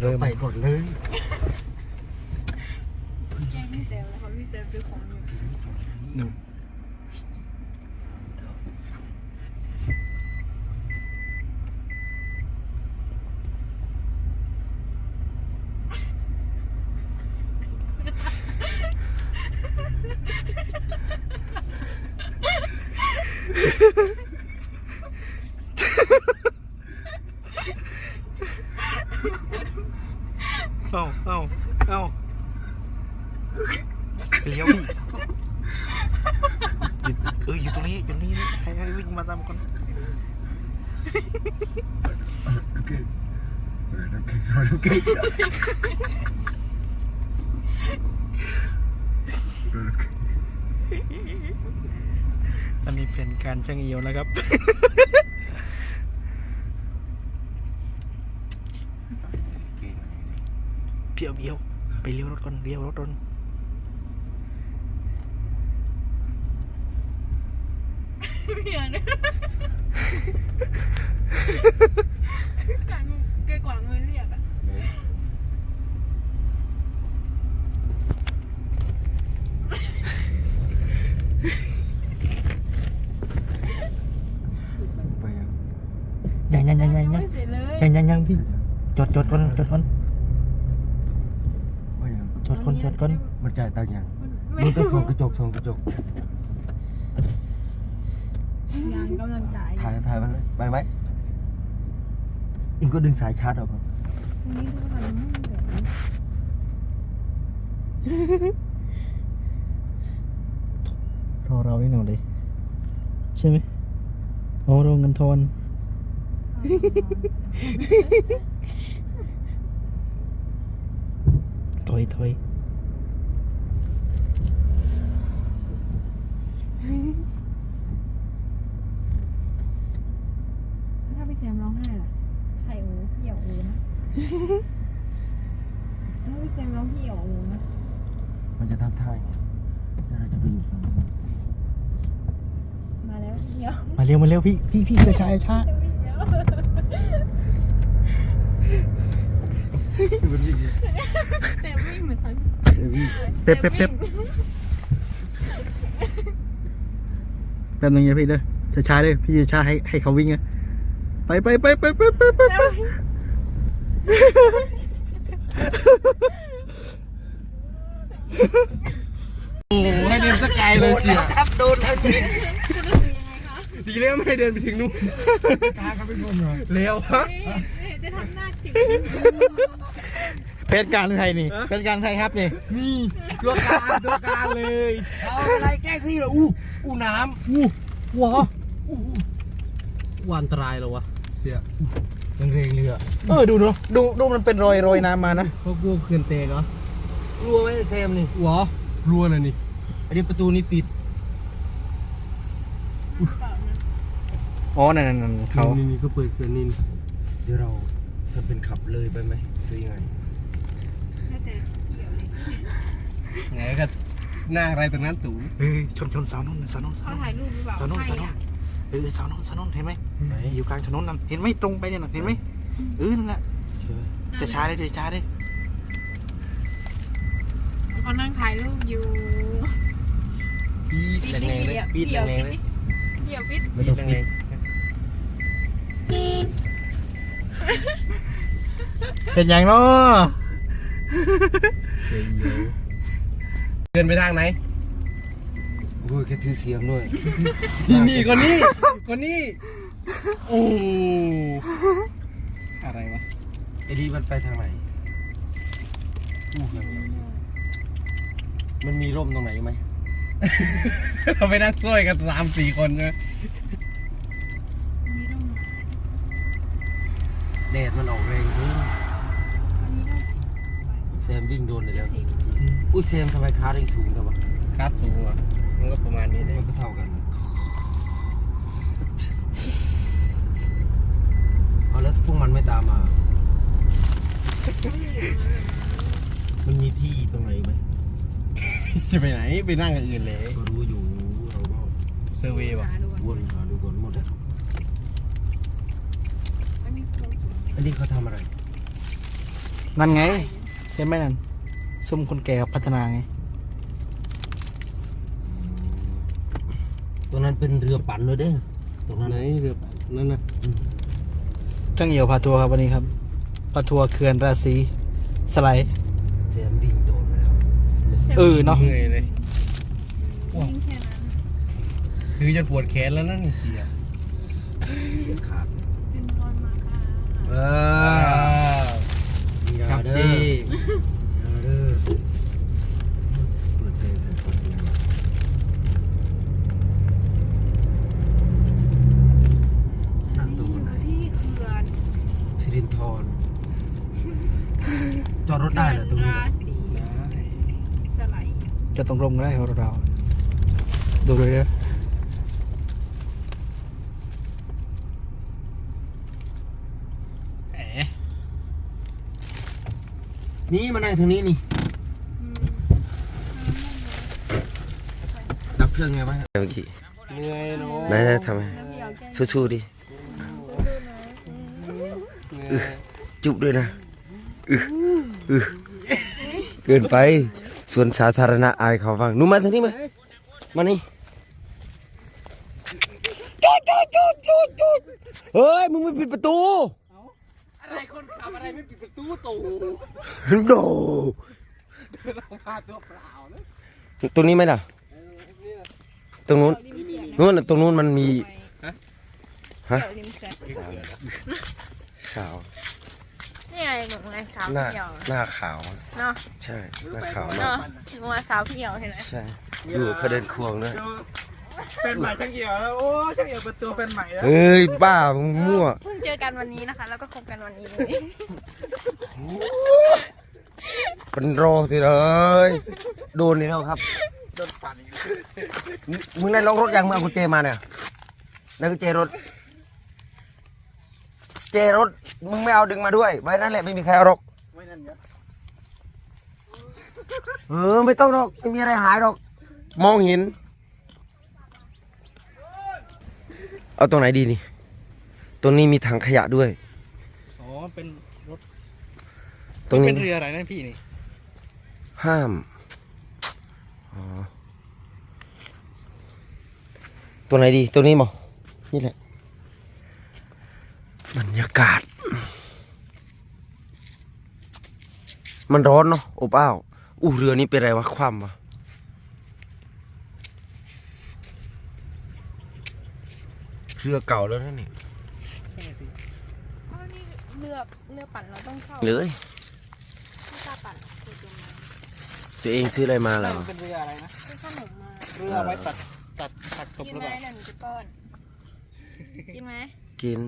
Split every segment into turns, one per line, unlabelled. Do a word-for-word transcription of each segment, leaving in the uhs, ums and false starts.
เริ่ม
ไปก่อนเลย
แกล้งพี่เซลแล้วเขาพี่เซลซื้อของอยู่
หนึ่งเอาเอาเอาเลี้ยวพี่เอออยู่ตรงนี้อยู่นี่ให้ให้วิ่งมาตามกัน
โอเคโอเคโอเค
อันนี้เป็นการช่างเอียวนะครับ เพียวเดียวไปเลี้ยวรถก่อนเลี้ยวรถก่อน
เมียเนี่ยกางแกกว่างเงินเรียกอะ
ยังยังยังยังยัง
ไม่เสร็จเลย
ยังยังยังพี่จดจดก่อนจดก่อนจดก่อนจดก่อน
มันจ่ายตังค์ยังมันต้องส่องกระจกส่องกระจก
งานกำลังจ่าย
ถ่ายถ่ายมันเลยไปไหมอิงก็ดึงสายชาร์จออกก่อน
วันนี้ทุกคนไม่แบบนี้
รอเราได้หน่อยเลยใช่ไหมโอ้รอเงินทอนถอยถอย
ถ้าพี่แซมร้องไห้ล่ะใครโอ้พี่เหี่ยวโอ้นะถ้าพี่แซมร้องพี่เหี่ยวโอ้นะ
มันจะทำท่าไงแล้วเราจะไปอยู่ฝั่งนู้น
มาแล้วพี่เหี่ยว
มาเร็วมาเร็วพี่พี่พี่ช้าช้าช้า
พี่เหี่ยว
มันวิ่ง
แต่วิ่งเหมือนทัน
เป๊ปเป๊ปเป๊ปแป๊บนึงนะพี่เด้อช้าช้าเลยพี่ช้าให้ให้เขาวิ่งนะไปไปไปไปไปไปไปไปโอ้ให้เดินสกายเลยเสีย
ครับโดนแล้วนี่
จะรู้สึกยังไงคะ
ดีแล้วไม่ให้เดินไปถึงนู้น
ตาเขาเป็นคนเหรอ
เร็วฮะ
นี่จะทำหน้าจิ๋ว
เป็นการไทยนี่เป็นการไทยครับนี่
นี่ตัวการตัวการเลยเอาอะไรแกล้งพี่เหรออู้อู้น้ำอู้
ว้า
อู้
วันตรายเหรอวะเสีย
ยังเรงเรือ
เออดูเนาะดูดูมันเป็นรอยรอยน้ำมานะ
พวกกูเขื่อนเตะเหรอ
รัวไหมเทมนี่
หัวรัวเลยนี่
อันนี้ประตูนี่ปิด
อ๋อนั่นนั่นเขา
นี่นี่ก็เปิดเขื่อนนี่
เดี๋ยวเราทำเป็นขับเลยไปไหมหรือยังไง
น่าจะเหี่ยวเลย
ไงก็หน้าอะไรตรงนั้นตู่
เอ้ยชนชนเสาโน่นเสาโน่น
เขาถ่ายรูปหรือเปล่า
เสาโน่น
ใช่
เสาโน่น
อะ
เออเสาโน่นเสาโน่นเห็นไหม
ไหน
อยู่กลางถนนนั่นเห็นไหมตรงไปเนี่ยน่ะเห็นไหมเออนั่นแหละ
ใช่ไหม
จะช้าเลยจะช้าเลย
เขานั่งถ่ายรูปอยู่
ปีด
ปิด
แรงๆเลยปีดแรงๆเลย
เหี่ยวปิด
ปีดแรง
เป็นอย่างเนาะ
ๆเดินไปทางไหน
โอ้ยแกถือเสียมด้วย
นี่นี่คนนี้คนนี้โอ้อะไรวะ
ไอ้ดีมันไปทางไหนอู้ยังไงมันมีร่มตรงไหนไหม
เราไปนั่งช่วยกันสามสี่คนใช่ไหม
นี่ต้องมา
แดดมันออกแรงเพิ่ง
อันนี้ต้อง
แซมวิ่งโดนเลยแล้วอุ้ยแซมทำไมขาเร่งสูงจังวะ
คาดสูงอ่ะมันก็ประมาณนี้เลย
มันก็เท่ากันเอาแล้วพวกมันไม่ตามมา มันมีที่ตรงไหนไหม
จะไปไหนไปนั่งกับอื่นเลย
ก็รู้อยู่เราก็
เซอร์เวย์ป่ะ
หาดูก่อน
วนหาดูก่อนหมดแล้ว
อันนี้โคตรสวย
อันนี้เขาทำอะไร
นั่นไงเห็นไหมนั่นซุ่มคนแก่กับพัฒนาไง
ตัวนั้นเป็นเรือปั่นเลยเด้อตรงนั้น
ไหนเรือนั่นนะ
ช่างเอี่ยวพาทัวร์ครับวันนี้ครับพาทัวร์เขื่อนราศีสไลด์
เสียมวิ่งโดนไปแล้ว
เออเนาะ
เหนื่อยเลย
ยิงแค่นั้น
คือจะปวดแขนแล้วนั่นเสีย
เสียขาด
เป็นบอลมาค่ะ
เอ
อ่า
ออย่า
ครับ
เด้อ
จี
อย่าเด้อเปิดเพลงใส่คนเดียวนั่งตรงไหน
ที่เขื่อน
สิรินทรจอดรถได้เหรอตรงนี้
ราศี
ได้
สไลด์
จะตรงลงก็ได้ของเราดูเลยเด้อ
แหม
นี่มานั่งทางนี้นี่
อืม
ดับเครื่องไงบ้างเมื่อกี้
เหนื่อยเนาะ
ไหนๆทำไม
แล้วพี่เอาแก้ม
สู้ๆดิ
ดูๆนะอืม
เหนื่อย
จุบด้วยนะอืออือเกินไปส่วนสาธารณะอายเขาฟังหนูมาทางนี้มามานี่จุดจุดจุดจุดจุดเฮ้ยมึงไม่ปิดประตู
อะไรคนขับอะไรไม่ปิดประตูตู
โด
เดินออกมาตัวเปล่าเลย
ตรงนี้ไหมล่ะ ตรงนู้นนู้นน่ะตรงนู้นมันมีฮะ
เดี๋ยวริมเขื่อน
สาวสาว
นี่ไงหนูไงสาว
หน้า
เหี่ยว
หน้าขาว
เนาะ
ใช่หน้าขาวมา
เนาะ
ก
หนูว่าสาวเหี่ยวเห็นไหม
ใช่อยู่เขาเดินควงด้วย
เป็นใหม่ช่างเอี่ยวแล้วโอ้ช่างเอี่ยวประตูเป็นใหม่แล้ว
เฮ้ยบ้ามึงมั่ว
เพิ่งเจอกันวันนี้นะคะ แล้วก็คบกันวันนี้เลย
เป็นโรสิเลยโดนนี่แล้วครับ
โดนปั่นอีก
มึงได้ล็อกรถยังมึงเอากุญแจมาเนี่ยนั่นกุญแจรถเจรถมึงไม่เอาดึงมาด้วยไว้นั่นแหละไม่มีใครเอาหรอก
ไม่นั่นเยอะ
เออไม่ต้องหรอกไม่มีอะไรหายหรอกมองเห็นเอาตรงไหนดีนี่ตรงนี้มีถังขยะด้วย
อ๋อเป็นรถ
ตรงนี้
เป็นเรืออะไรนั่นพี่นี่
ห้ามอ๋อตรงไหนดีตรงนี้มั้งนี่แหละบรรยากาศ มันร้อนเนาะอบอ้าวอู้เรือนี้เป็นไรวะคว่ำวะเรือเก่าแล้วนะนี่
อ๋อนี่เรือเรือปั่นเราต้องเข้า
เลย
ไม่กล้าปั่นคือจมน้ำ
ตัวเองซื้ออะไรมาแล้ว
เป็นเรืออะไรนะ
ซื้อขนมมา
เรือไว้ตัดตัดตัดตบ
กิน
หรือ
ไหม
เปล่า
เดี๋ยวหนูจะป้อน กินไหม
กิน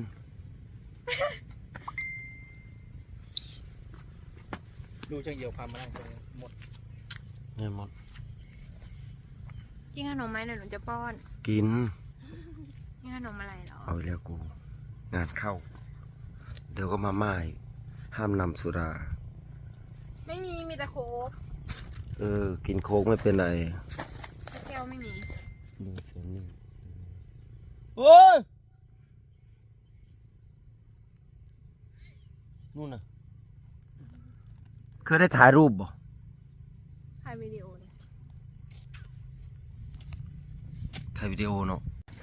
ดูช่างเอี่ยวพามานั่งตรงนี้หมด
เงินหมด
กินขนมไหมเดี๋ยวหนูจะป้อน
กิน
กินขนมอะไรเหรอ
เอาอีกแล้วกู งานเข้า เดี๋ยวก็มาม่ายห้ามนำสุรา
ไม่มีมีแต่โค้ก
เออ กินโค้กไม่เป็นไร
แก้วไม่มี
ดูเสียงนี่
โอ้ย
นู่นน่ะเคยได้ถ่ายรูปบ่
ถ่ายวิดีโอเลย
ถ่ายวิดีโอเนาะ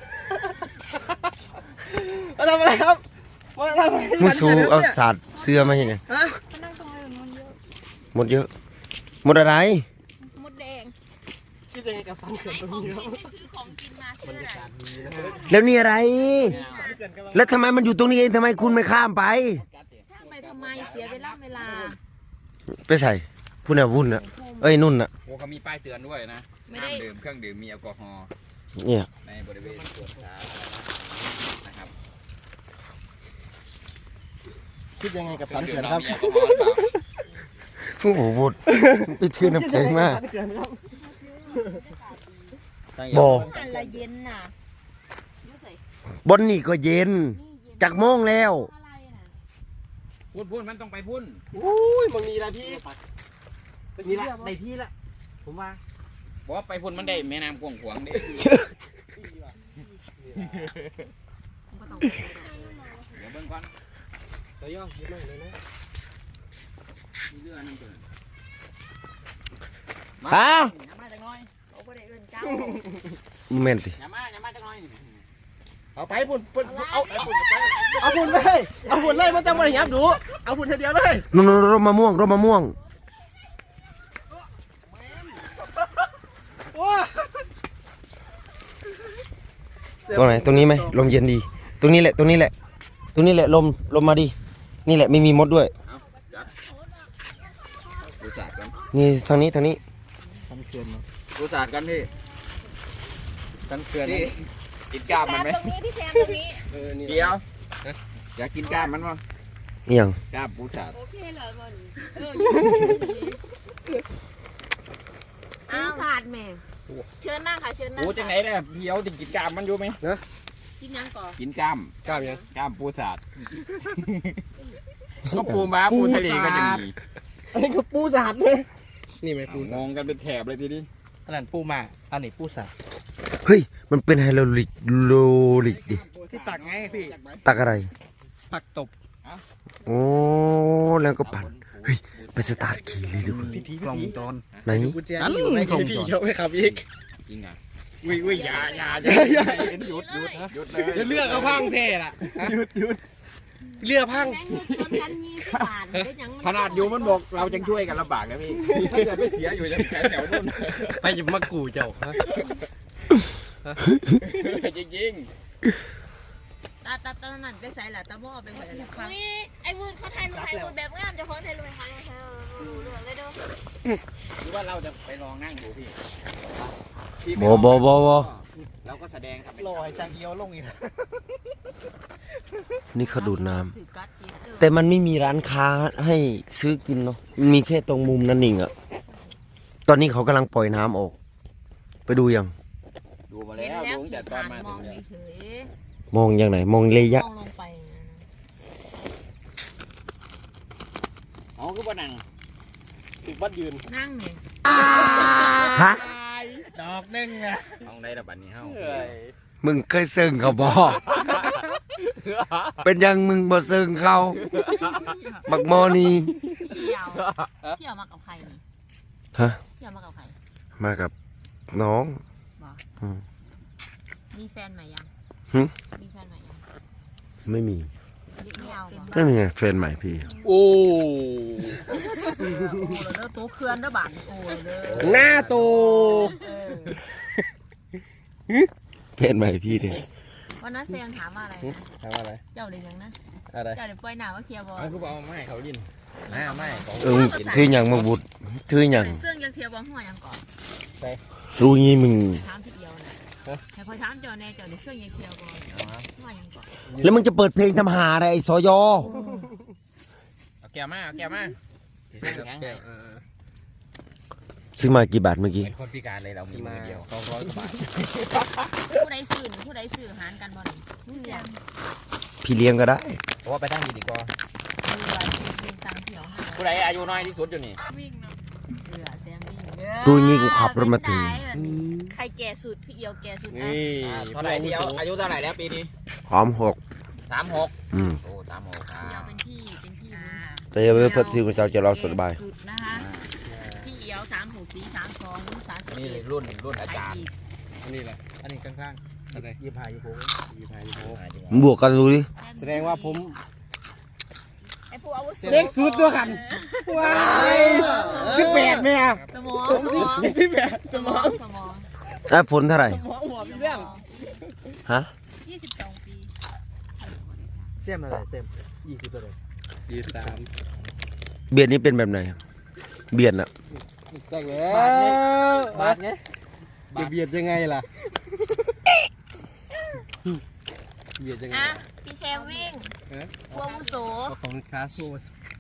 มาทำอะไรครับมาทำอะไร
มุสูเอาสาดเสื้อมาอย่างไง
มานั่งตรงอื่นมันเยอะ
หมดเยอะ หมดอะไร
มดแดง
คิดยังไงกับสันเขื่อนตรงนี้ครับ
คือของกินมาซื้ออะไร
แล้วนี่อะไร แล้วทำไมมันอยู่ตรงนี้เองทำไมคุณไม่ข้ามไป
ไปทำไมเสียเวลาเวลา
ไปใส่พูดน่ะวุ่นน่ะเอ้ยนุ่นน่ะ
โอ้เขามีป้ายเตือนด้วยนะ
ไม่
ห้า
ได้
มดื่มเครื่องดื่มมีแอลกอฮอล์
เนี่ย
ในบริเวณสวนสาธารณะนะครับ
คิดยังไงกับ
เครื่
สั
อน งดื่
เขื่
ม
อน
เรา
ครับ
มีแอลกอฮอล์หรือเปล่า
ผู้โหบุดไปเทือนน้ำแข็งมาก
สันเขื่อนครับ
บ่
อันละเย็นน่ะ
บนนี่ก็เย็นจากโมงแล้ว
อะไรน่ะ
พุ่นพุ่นมันต้องไปพุ่น
อุ้ยมึงมีอะไรพี่นี่ละในที่ละผมว่า
บอกว่าไปพุ่นมันได้แม่น้ำกวางขวางดิเดี๋ยวเบิ่งก่อน
ตัวย่อเยอะมากเลยนะ
เรือนั่นตัวนั้น
ฮะ
อย่ามาจังน้อย
เขาบ่ได้เอิ้นเจ้า
แม่นติ
อย่ามาอย่ามาจังน้อย
เอาไปพุ่นพุ่นเอาเอาพุ่นไปเอาพุ่นเลยเอาพุ่นเลยมันจะมาหยับดูเอาพุ่นทีเดียวเลย
นู่นๆร่มมะม่วงร่มมะม่วง
โอ้
ตรงไหนตรงนี้ไหมลมเย็นดี ตรงนี้แหละตรงนี้แหละ ตรงนี้แหละลมลมมาดีนี่แหละไม่มีมดด้วย
เอาจัดดูศาสตร์กัน
นี่ทางนี้ทางนี้
ดูศาสตร์กันพี่กันเกลือนนี่กินกล้ามมันไหม
ตรงนี้ที่แซมตรงนี้
เออนี่
เดี๋ยวอยากกินกล้ามมันมั้ง
นี่ยัง
กล้ามปูศาสตร์
โอเคเหรอบ่นี่เอออยู่อ้าวขาดแม่เชิญนั่งค่ะเชิญนั่ง
ปูจังไหนเนี่ยเดี๋ยวจะกินกล้ามมันอยู่ไหม
กินยังก่อน
กินกล้าม
กล้ามยัง
กล้ามปูศาสตร์ก็ปูม้าปูทะเลก็ยังมี
อันนี้ก็ปูสาดเลยนี่ไหมปู
งงกันเป็นแถบเลยทีนี้
อันนั้นปูมาอันนี้ปูสับ
เฮ้ยมันเป็นไฮโลลิกโลลิกดิ
ที่ตักไงพี่
ตักอะไร
ผักตบ
โอ้แล้วก็ปั่นเฮ้ยไปสตาร์ทขี่เลยดีกว่า
พิธีกล่องวงจร
ไหน
กุญแจนี่อยู่ในกล่องพี่เขาให้ขับอีก
จริงอ่ะวิ่งวิ่งอย่าอย่าอย่าหยุดหยุดหยุดเลย
จะเลือกเอาพังเท่ละหยุดหยุดเลือกพัง
แม่งเงินกันยี่สิบบาทได้ยัง
ขนาดอยู่มันบอกเราจะช่วยกันลำบากนะพี่ถ้าเกิดไม่เสียอยู่จะแถวแถวนู่น
ไปหยิบมากูเจ้า
จริง
ตาตาตานั่นไปใส่ละตาหม้อไปใส่ละค่ะอุ้ยไอ้วุ้นเขาถ่ายรูปถ่ายรูปแบบงามจะของถ่ายรูปถ่ายรูปถ่ายรูปเรื่องเลยเด้อ
ๆหรือว่าเราจะไปลองนั่งดูพี่พี่
บอบอบอบอ
เราก็แสดงครับ
ลอยจางเอียวลงอีก
นี่เขาดูดน้ำ
ถือกัดจีบเด้อ
แต่มันไม่มีร้านค้าให้ซื้อกินเนาะมันมีแค่ตรงมุมนั่นเองอะตอนนี้เขากำลังปล่อยน้ำออก ไปดูยัง
ดูมา
เห็น
แล้ว
แล้ว
ดูตั้งแต่ตอนมา
ม
ถึ
อง
งเนี่ย
เฉย
มองยังไหน มองระ
ๆ
ยะ
มองลงไปนะ
อ๋อคือว่านั่ง
ติดวัดยืน
นั่งเนี่ย
ฮะ
ดอกหนึ่งอะ
ห้องได้ระบัดนี้เฮ้า
มึงเคยซึ้งเขาบอ เป็นยังมึงบ่ซึ้งเขาบักโมอนี่
พี่เอาพี่เอามากับใครนี่
ฮะ
พี่เอามากับใคร
มากับน้อง
บอก
อืม
มีแฟนใหม่ยัง
หึ
มีแฟนใหม่ยัง
ไม่มี
ไม่เอาบอก
นั่นไงแฟนใหม่พี่
โอ้
โอ้เลยเด้อโต๊ะเคลื่อนเด้อบังโอ้เลยเด้อ
หน้าโต
เออ
แฟนใหม่พี่เนี่ย
วันนั้นเซียงถามว่าอะไรนะ
ทำอะไร
เจ้าเรียนยังนะ
อะไร
เจ้าเรียนปล่อยหนาว่าเคลียร์บอล
เอาคือเอาไม้เขาดินหน้าไม้เขา
เออถืออย่างมาบุดถืออย่าง
เสื่องยังเคลียร์บอลหัวยังก่อน
รู้งี้มึง
ถามที่เดียวนะให้คอยถามเจ้าแน่เจ้าเรียนเสื่องยังเคลียร์บอลหัวยังก่อน
แล้วมึงจะเปิดเพลงทำหาอะไรไอ้สอยอ
เอาแก้วมาเอาแก้วมาสิเส้นแข็งให้
ซื้อมากี่บาทเมื่อกี้
เป็นคนพิการเลยเรามีมือเดียว
สองร้อยกว่าบาท
ผู้ใดสื่อนี่ผู้ใดสื่อหารกันบอลนี่เสียง
พี่เลี้ยงก็ได้
เพราะว่าไปทางนี้ดีกว่า
คือว่ายืนตังเที่ยวให้
ผู้ใดอายุน้อยที่สุดอยู่นี่
วิ่งเนาะเรือเสียงวิ่งเด้อ
ดูงี้กูขับรถมาถึง
ใครแก่สุดพี่เอียวแก่สุดอ่ะ
นี่
เท่าไหร่เดียวอายุเท่าไหร่แล้วปีนี้
หอมหก
สามหก
อืม
โอ้สามหกครั
พี่เอียว
บ
เป็นพี่เป็นพี่
แต่อย่าไปเพิ่มที่คุณเจ้าจะรอสบาย
สุดนะคะพี่เอียวสามหกสี่สามสองสามสิบ
นี่
เอ็ด
รุ่นรุ่นอาจารย์
นี่แหละ
อันนี้ข้าง
อะไร
ๆยี่สิบห้ายี่สิบหก
ยี่สิบห้ายี่สิบหก
มึงบวกกันดูดิ
แสดงว่าผม
ไอ้ผู้อาวุโส
เด็กสุดด้วยกันว้ายสิบแปดแม่
สมองสมอง
สิบแปดส
ส
ม
ม
อ
อง งสมอง
ได้ฝนเท่าไหร่
หมอหัวมีเรื่อง
ฮะ
ยี่สิบสองปี
เสียมอะไรเสียมยี่สิบอะไร
ยี่สิบสาม
เบียดนี้เป็นแบบไหน เบียดอะ
แต่งแล้วบาทไงจะเบียดยังไงล่ะเบียดยังไง
อ่ะพี่แซมวิ่ง
ฮะ
ผู้อาวุโส
ของคาโซ่